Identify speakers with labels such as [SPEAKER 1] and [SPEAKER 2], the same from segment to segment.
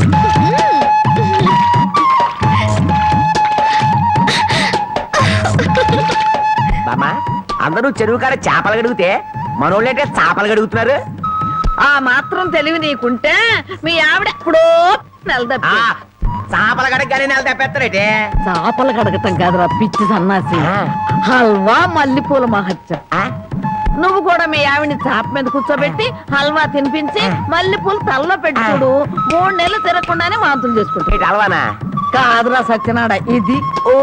[SPEAKER 1] బామ్మా అందరూ చెరువు కాడ చేపలు గడిగితే మనోళ్ళంటే చేపలు గడుగుతున్నారు.
[SPEAKER 2] ఆ మాత్రం తెలివి నీకుంటే మీ ఆవిడ ఎప్పుడో నెలదప్పి
[SPEAKER 1] చేపల గడగానే నెల తెప్పేస్తారేటే.
[SPEAKER 2] చేపలు కడగటం కాదురా పిచ్చి సన్నాసి. హల్వా మల్లెపూల మహత్యం. నువ్వు కూడా మీ ఆవిడని చాప మీద కూర్చోబెట్టి హల్వా తినిపించి మల్లెపూలు తలలో పెట్టి చూడు. 3 నెలలు తిరగకుండానే మాంతులు చేసుకుంటా.
[SPEAKER 1] హల్వానా
[SPEAKER 2] కాదురా సత్యనాడ ఇది.
[SPEAKER 1] ఓ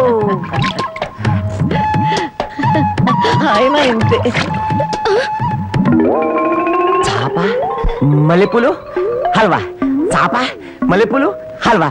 [SPEAKER 2] అయినా ఇంతే.
[SPEAKER 1] చాప మల్లెపూలు హల్వా, చాప మల్లెపూలు హల్వా.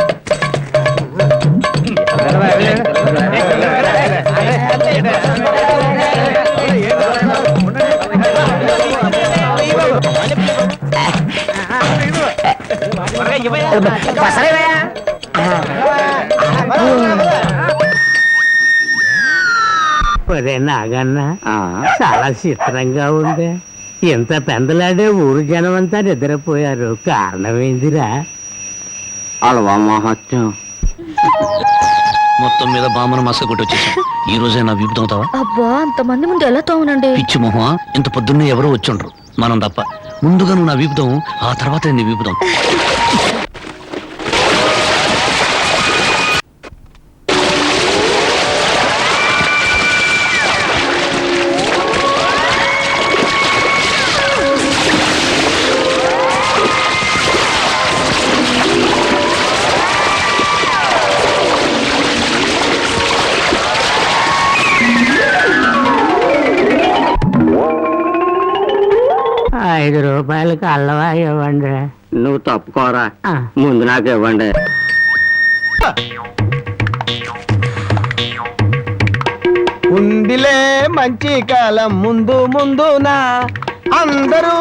[SPEAKER 3] నాగన్న చాలా చిత్రంగా ఉంది. ఎంత పెందలాడే ఊరు జనం అంతా నిద్రపోయారు. కారణమేందిరా?
[SPEAKER 4] అలవా మహత్యం.
[SPEAKER 5] మొత్తం మీద బామ్మను మస కొట్టి వచ్చేసాం. ఈ రోజే నా వీపు తోముతావా?
[SPEAKER 6] అబ్బా అంతమంది ముందు ఎలా తోమనండి?
[SPEAKER 5] పిచ్చి మొహమా, ఇంత పొద్దున్నే ఎవరో వచ్చుండ్రు, మనం తప్ప. ముందుగా నువ్వు నా వీపుతాం, ఆ తర్వాత నీ వీపుతాం.
[SPEAKER 3] ₹5 అల్లవా ఇవ్వండి.
[SPEAKER 4] నువ్వు తప్పుకోరా, ముందు నాకు ఇవ్వండి.
[SPEAKER 7] ఉందిలే మంచి కాలం ముందు ముందునా అందరూ.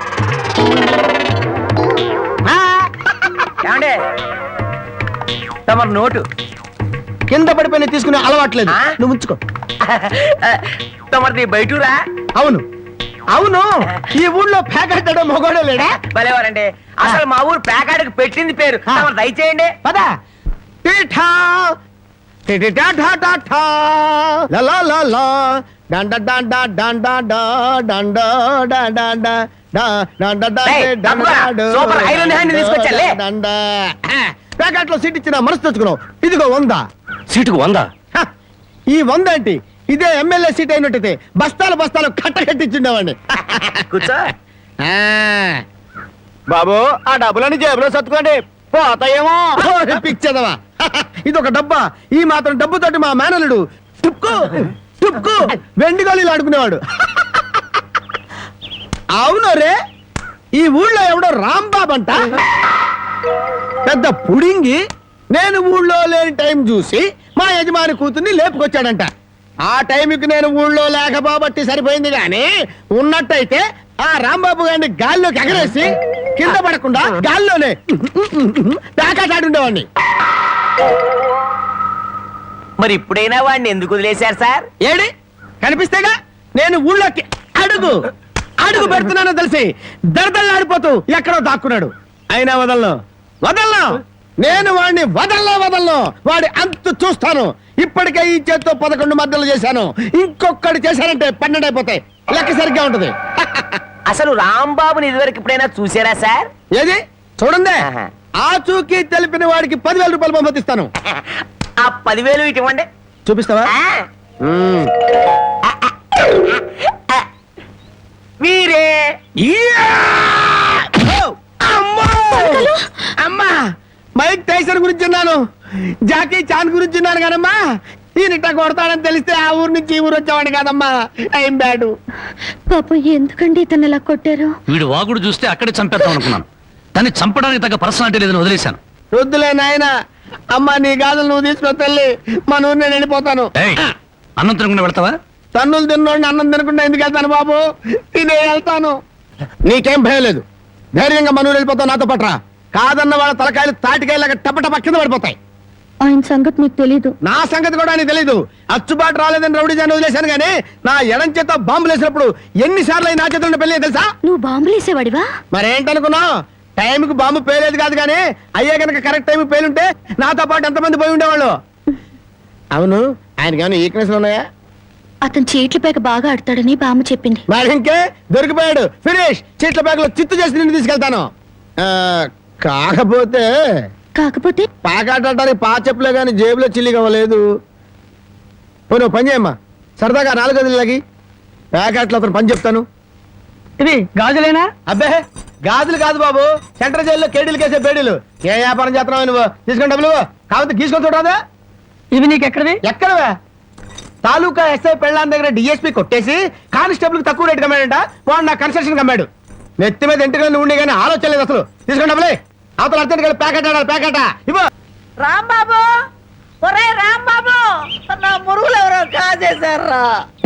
[SPEAKER 1] ఏమండే తమరు నోటు
[SPEAKER 7] కింద పడిపోయిన తీసుకునే అలవాట్లేదు. నువ్వు ఉంచుకో.
[SPEAKER 1] తమరిది బయటూరా?
[SPEAKER 7] అవును అవును, ఈ ఊళ్ళో పేకాడడం మొగోడే లేడా?
[SPEAKER 1] భలేవారండి. అసలు మా ఊరు పేకాడకు పెట్టింది పేరు. తమరు దయచేయండి.
[SPEAKER 7] పదా టీఠా టిటిటా ఠా ఠా ఠా లలా లలా డండ డండ డండ డండ డండ డండ డండ
[SPEAKER 1] సూపర్ ఐరన్ హ్యాండ్ తీసుకొచ్చాలే.
[SPEAKER 7] డండ ప్యాకెట్లో సీట్ ఇచ్చిన మనసు తెచ్చుకున్నావు. ఇదిగో 100.
[SPEAKER 5] సీటుకు 100?
[SPEAKER 7] ఈ 100 ఏంటి? ఇదే ఎమ్మెల్యే సీట్ అయినట్టయితే బస్తాలు బస్తాలు కట్టకట్టించుండేవాడిని.
[SPEAKER 1] కూర్చో.
[SPEAKER 7] బాబు ఆ డబ్బులని జేబులో సర్దుకోండి, పోతాయేమో. పిచ్చదవా, ఇది ఒక డబ్బా. ఈ మాత్రం డబ్బుతోటి మా మేనలుడు టుక్కు టుక్కు వెండి గోళీలు ఆడుకునేవాడు. అవును రే, ఈ ఊళ్ళో ఎవడో రాంబాబు అంట పెద్ద పుడింగి. నేను ఊళ్ళో లేని టైం చూసి మా యజమాని కూతుర్ని లేపుకొచ్చాడంట. ఆ టైంకి నేను ఊళ్ళో లేకపోబట్టి సరిపోయింది, గాని ఉన్నట్టయితే ఆ రాంబాబు గారిని గాల్లోకి ఎగరేసి కింద పడకుండా గాల్లోనే పేకాటాడుండేవాడిని.
[SPEAKER 1] మరి ఇప్పుడైనా వాడిని ఎందుకు వదిలేశారు సార్?
[SPEAKER 7] ఏడి కనిపిస్తేగా నేను ఊళ్ళోకి అడుగు అడుగు పెడుతున్నానో తెలిసి దడదళ్ళాడిపోతూ ఎక్కడో దాక్కున్నాడు. అయినా వదలను వదలను, నేను వాడిని వదలను. వాడి అంతు చూస్తాను. ఇప్పటికే ఈ చేత్తో 11 మద్దలు చేశాను. ఇంకొకటి చేశానంటే 12 అయిపోతాయి. లెక్క సరిగ్గా ఉంటది.
[SPEAKER 1] అసలు రాంబాబుని ఇదివరకు ఎప్పుడైనా చూసారా సార్?
[SPEAKER 7] ఏది చూడండి, ఆ చూకి తెలిపిన వాడికి 10,000 రూపాయలు పంపిస్తాను.
[SPEAKER 1] ఆ 10,000 ఇటు ఇవ్వండి.
[SPEAKER 7] చూపిస్తావా?
[SPEAKER 1] వీరే
[SPEAKER 7] అమ్మా, మైక్ టైసన్ గురించి విన్నాను, జాకీ చాన్ గురించి విన్నాను కానమ్మా, ఈయనిట్ట కొడతాడని తెలిస్తే ఆ ఊరు నుంచి ఈ ఊరు వచ్చేవాడు కాదమ్మా. Time bad.
[SPEAKER 6] పాపం ఎందుకండి ఇతను ఇలా కొట్టారు?
[SPEAKER 5] వీడు వాగుడు చూస్తే అక్కడే చంపేద్దాం అనుకున్నాను. దాన్ని చంపడానికి తగ్గ పర్సనాలిటీ లేదని వదిలేశాను.
[SPEAKER 7] వద్దులే నాయన, అమ్మా నీ గాజులు నువ్వు తీసుకుని తల్లి, మన ఊరు నేను వెళ్ళిపోతాను.
[SPEAKER 5] అన్నం తినకుండా వెళ్తావా?
[SPEAKER 7] తన్నులు తిన్నోడిని అన్నం తినకుండా ఎందుకు వెళ్తాను బాబు? తినే వెళ్తాను. నీకేం భయం లేదు, ధైర్యంగా మన ఊరు వెళ్ళిపోతావు. నాతో పట్రా. కాదన్న వాళ్ళ తలకాయలు తాటికాయలాగా టపటప కింద పడిపోతాయి.
[SPEAKER 6] ఆయన సంగతి మీకు తెలీదు.
[SPEAKER 7] నా సంగతి కూడా నీకు తెలీదు. అచ్చుబాటు రాలేదని రౌడీ జాన్ని వదిలేశాను గానీ నా ఎడం చేత బాంబులు వేసినప్పుడు ఎన్నిసార్లు నా చేతుల్లో పెళ్ళి తెలుసా?
[SPEAKER 6] నువ్వు బాంబులేసేవాడివా?
[SPEAKER 7] మరేంటనుకున్నావు? టైంకి బాంబు పేలేదు కాదు కానీ అయ్యే కనుక కరెక్ట్ టైం పేలుంటే నాతో పాటు ఎంతమంది పోయి ఉండేవాళ్ళు. అవును, ఆయనకి ఏమైనా ఈక్నెస్ ఉన్నాయా?
[SPEAKER 6] అతను చీట్ల పేక బాగా ఆడతాడని బామ్మ చెప్పింది.
[SPEAKER 7] మరి ఇంకే దొరికిపోయాడు, ఫినిష్. చీట్ల బ్యాగ్ లో చిత్తు చేసి నిన్ను తీసుకెళ్తాను. కాకపోతే పాకాడటానికి పా చెప్పులే గాని జేబులో చిల్లి కావలేదు. నువ్వు పని చేయమ్మా, సరదాగా 4 గదులకి ప్యాకెట్లో అతను పని చెప్తాను.
[SPEAKER 3] ఇది గాజులేనా?
[SPEAKER 7] అబ్బే గాజులు కాదు బాబు, సెంట్రల్ జైల్లో కేడీలు కేసే బేడీలు. ఏ వ్యాపారం చేస్తున్నావు నువ్వు? తీసుకుని డబ్బులు కాకపోతే గీసుకొని చూడరాదా?
[SPEAKER 3] ఇవి నీకు ఎక్కడవి?
[SPEAKER 7] ఎక్కడవే? తాలూకా ఎస్ఐ పెళ్ళాన్ దగ్గర డిఎస్పీ కొట్టేసి కానిస్టేబుల్ తక్కువ రేటు కమ్మాడంట. వాడు నా కన్స్ట్రక్షన్ కమ్మాడు. నెత్తి మీద ఇంటికి ఉండి కానీ ఆలోచన లేదు అసలు. తీసుకుని డబ్బులే. అవతల అర్జెంట్ గా ప్యాకెట్ ఆడాలి, ప్యాకెట్ ఇవ్వ.
[SPEAKER 2] రాంబాబు, ఒరే రాంబాబు, నా మురుగులు ఎవరో కాజేశారా?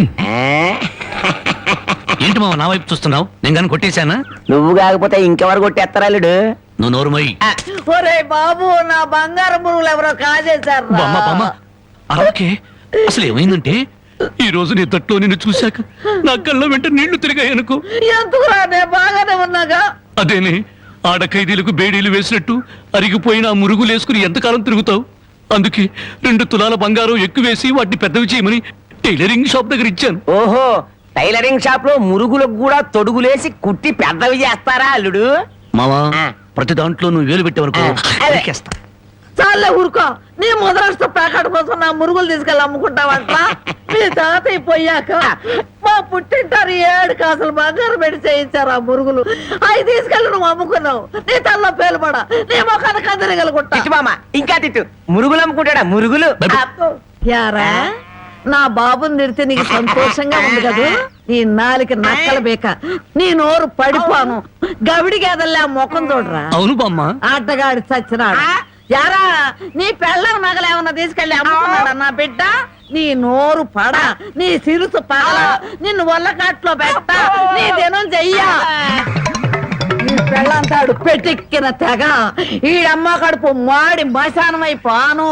[SPEAKER 5] ఏంటి మామ నా వైపు చూస్తున్నావు? నేను కానీ కొట్టేశానా?
[SPEAKER 1] నువ్వు కాకపోతే ఇంకెవరు కొట్టేస్తారా అల్లుడు?
[SPEAKER 5] నువ్వు నోరు మొయ్యి.
[SPEAKER 2] ఒరే బాబు, నా బంగారు మురుగులు ఎవరో కాజేశారా?
[SPEAKER 5] బామ్మ బామ్మ అలాగే. అసలు ఏమైందంటే ఈ రోజు నీ తట్లో నిన్ను చూశాక నా కళ్ళ వెంట నీళ్లు తిరిగాయనుకో.
[SPEAKER 2] ఎందుకురా, నేను బాగానే ఉన్నాగా.
[SPEAKER 5] అదేనే, ఆడ ఖైదీలకు బేడీలు వేసినట్టు అరిగిపోయిన ఆ మురుగులు వేసుకుని ఎంతకాలం తిరుగుతావు? అందుకే 2 తులాల బంగారం ఎక్కువేసి వాటిని పెద్దవి చేయమని టైలరింగ్ షాప్ దగ్గర ఇచ్చాను.
[SPEAKER 1] ఓహో, టైలరింగ్ షాప్ లో మురుగులకు కూడా తొడుగులేసి కుట్టి పెద్దవి చేస్తారా అల్లుడు?
[SPEAKER 5] మావా, ప్రతి దాంట్లో నువ్వు వేలు పెట్టేవనుకో నరికేస్తా.
[SPEAKER 2] చాలే ఊరుకో. నీ ముద్రష్ట ప్యాకెట్ కోసం నా మురుగులు తీసుకెళ్ళి అమ్ముకుంటావంట. మీ తాతయ్య పోయాక మా పుట్టింటారు 7 కాసులు బంగారం పెట్టి చేయించారు ఆ మురుగులు. అవి తీసుకెళ్ళి నువ్వు అమ్ముకున్నావు. నీ తల్లో పేలుపడ, నీ ముఖానికి అందరిగలుగుంటా.
[SPEAKER 1] తిట్టు మామ, ఇంకా తిట్టు. మురుగులు అమ్ముకుంటాడా? మురుగులు.
[SPEAKER 2] యారా, నా బాబుని తిడితే నీకు సంతోషంగా ఉంది కదా? నీ నాలికి నక్కల బేక, నీ నోరు పడిపోను. గవిడి గేదల్లా ముఖం చూడరా.
[SPEAKER 5] అవును బామ్మ.
[SPEAKER 2] ఆటగాడి చచ్చినాడు. యారా, నీ పెళ్ళం నగలేమన్నా తీసుకెళ్ళి అమ్ముకున్నాడా నా బిడ్డ? నీ నోరు పడ, నీ సిరుసు పగల, నిన్ను వల్లకాట్లో పెట్ట, నీ దినం చెయ్యా. నీ పెళ్ళంతాడు పెట్టెక్కిన తెగ, ఈడమ్మ కడుపు మాడి మశానమైపోను.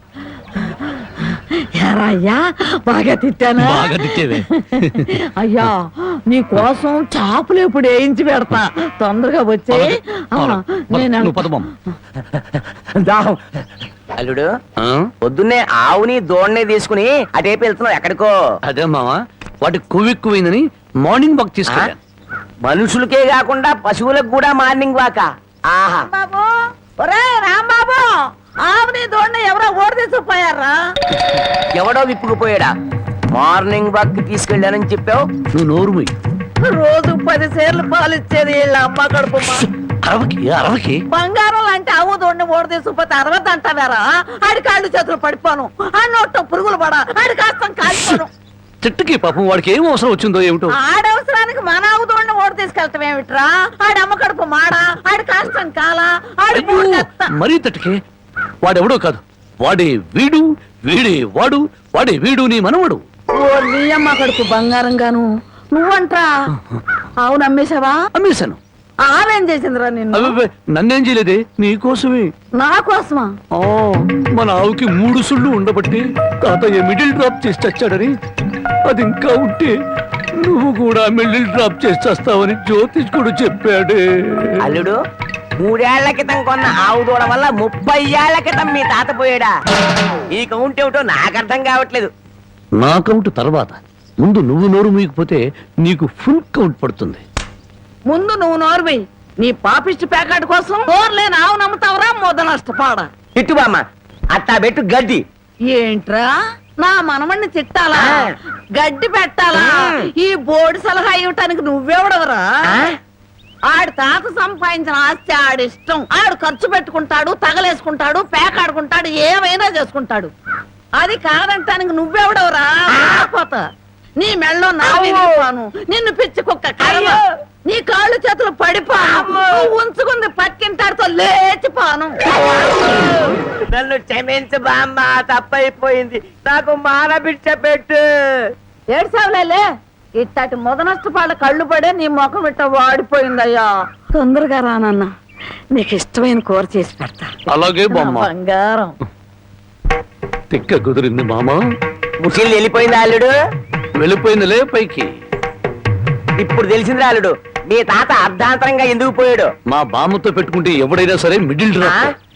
[SPEAKER 2] అయ్యా, బాగా తిట్టానా?
[SPEAKER 5] బాగా తిట్టేవే.
[SPEAKER 2] అయ్యా, నీ కోసం చాపులు ఎప్పుడు వేయించి పెడతా. తొందరగా వచ్చే.
[SPEAKER 1] అల్లుడు, పొద్దున్నే ఆవుని దోణ్ణి తీసుకుని అటేపు వెళ్తున్నావు ఎక్కడికో?
[SPEAKER 5] అదే మావా, వాటి కొవ్వెక్కువైందని మార్నింగ్ వాక్ తీసుకెళ్ళాను.
[SPEAKER 1] మనుషులకే కాకుండా పశువులకు కూడా మార్నింగ్ వాక. ఆహా,
[SPEAKER 2] బాబు, ఒరే రాంబాబు, ఆవుని దోణ్ణి ఎవరో ఓడి తీసుకుపోయారా?
[SPEAKER 1] ఎవడో విప్పుకుపోయాడా? మార్నింగ్ వాక్ తీసుకెళ్ళానని చెప్పావు.
[SPEAKER 5] నువ్వు నోరు మొయ్యి.
[SPEAKER 2] రోజు 10 సేర్లు పాలు ఇచ్చేది వీళ్ళ అమ్మ కడుపు.
[SPEAKER 5] అరవకి
[SPEAKER 2] బంగారం లాంటి ఆవు దోణ్ణి ఓడి తీసుకుపోతే 60 అంటారా? ఆడి కాళ్ళు చేతులు పడిపోను, ఆ నోట్లో పురుగులు పడ, ఆడి కాస్తం కాల్పోను.
[SPEAKER 5] చెట్టుకి పాపం వాడికి ఏం అవసరం వచ్చిందో ఏమిటో.
[SPEAKER 2] ఆడవసరానికి మన ఆవు దోణ్ణి ఓడి తీసుకెళ్తాం ఏమిట్రా? ఆడి అమ్మ కడుపు మాడా, ఆడి కాస్తం కాలా, ఆడి
[SPEAKER 5] మరీ తట్టుకే. వాడెవడో కాదు, వాడే వీడు, వీడే వాడు, వాడే వీడు నీ మనవడు.
[SPEAKER 2] ఓ నీ అమ్మ కడుపు బంగారం గాను. నువ్వంట్రా ఆవును అమ్మేశావా?
[SPEAKER 5] అమ్మేశాను.
[SPEAKER 2] ఆవేం చేసిందిరా నిన్ను?
[SPEAKER 5] అబ్బే, నన్నేం చేయలేదే, నీకోసమే.
[SPEAKER 2] నా కోసమా?
[SPEAKER 5] మన ఆవుకి 3 సుళ్ళు ఉండబట్టి తాతయ్య మిడిల్ డ్రాప్ చేసి చచ్చాడని, అది ఇంకా ఉంటే నువ్వు కూడా మిడిల్ డ్రాప్ చేసి చేస్తావని జ్యోతిష్కుడు చెప్పాడే.
[SPEAKER 1] అల్లుడు, 3 ఏళ్ల క్రితం కొన్న ఆవు దూడ వల్ల 30 ఏళ్ల క్రితం మీ తాత పోయాడా? ఈ కౌంట్ ఏమిటో నాకు అర్థం కావట్లేదు.
[SPEAKER 5] నా కౌంట్ తర్వాత, ముందు నువ్వు నోరు మూయకపోతే నీకు ఫుల్ కౌంట్ పడుతుంది.
[SPEAKER 2] ముందు నువ్వు నోరువి. నీ పాపిష్టి ప్యాకెట్ కోసం నోరులేని ఆవు నమ్ముతావరా? మొద నష్టపాడ.
[SPEAKER 1] తిట్టు బామ్మ, అట్టా పెట్టు గడ్డి.
[SPEAKER 2] ఏంట్రా, నా మనమణ్ణి తిట్టాలా? గడ్డి పెట్టాలా? ఈ బోర్డు సలహా ఇవ్వటానికి నువ్వెవడవరా? ఆడి తాత సంపాదించిన ఆస్తి ఆడిష్టం. ఆడు ఖర్చు పెట్టుకుంటాడు, తగలేసుకుంటాడు, పేకాడుకుంటాడు, ఏమైనా చేసుకుంటాడు. అది కాదంటానికి నువ్వెవడవరా? పోతా నీ మెళ్ళో నా విరిగిపోను, నిన్ను పిచ్చి కుక్క కర్మ, నీ కాళ్ళు చేతులు పడిపోను, నువ్వు ఉంచుకుంది పక్కింటాడితో లేచిపోను.
[SPEAKER 1] నన్ను క్షమించు బామ్మ, తప్పైపోయింది. నాకు మానబిడ్డ పెట్టు.
[SPEAKER 2] ఏడ్సావులే, ఇట్టటి మొద నష్టపాళ్ళ కళ్ళు పడే నీ ముఖం ఇట్ట వాడిపోయిందయ్యా. తొందరగా రానన్న, నీకు ఇష్టమైన కూర చేసి పెడతా.
[SPEAKER 5] అలాగే బామ్మ.
[SPEAKER 2] బంగారం
[SPEAKER 5] తిక్క కుదిరింది మామ.
[SPEAKER 1] ముసిల్ వెళ్ళిపోయిందా అల్లుడు?
[SPEAKER 5] వెళ్ళిపోయిందిలే పైకి.
[SPEAKER 1] ఇప్పుడు తెలిసిందిరా అల్లుడు, మీ తాత అర్ధాంతరంగా ఎందుకు పోయాడు?
[SPEAKER 5] మా బామ్మతో పెట్టుకుంటే ఎవడైనా సరే మిడిల్ డ్రాప్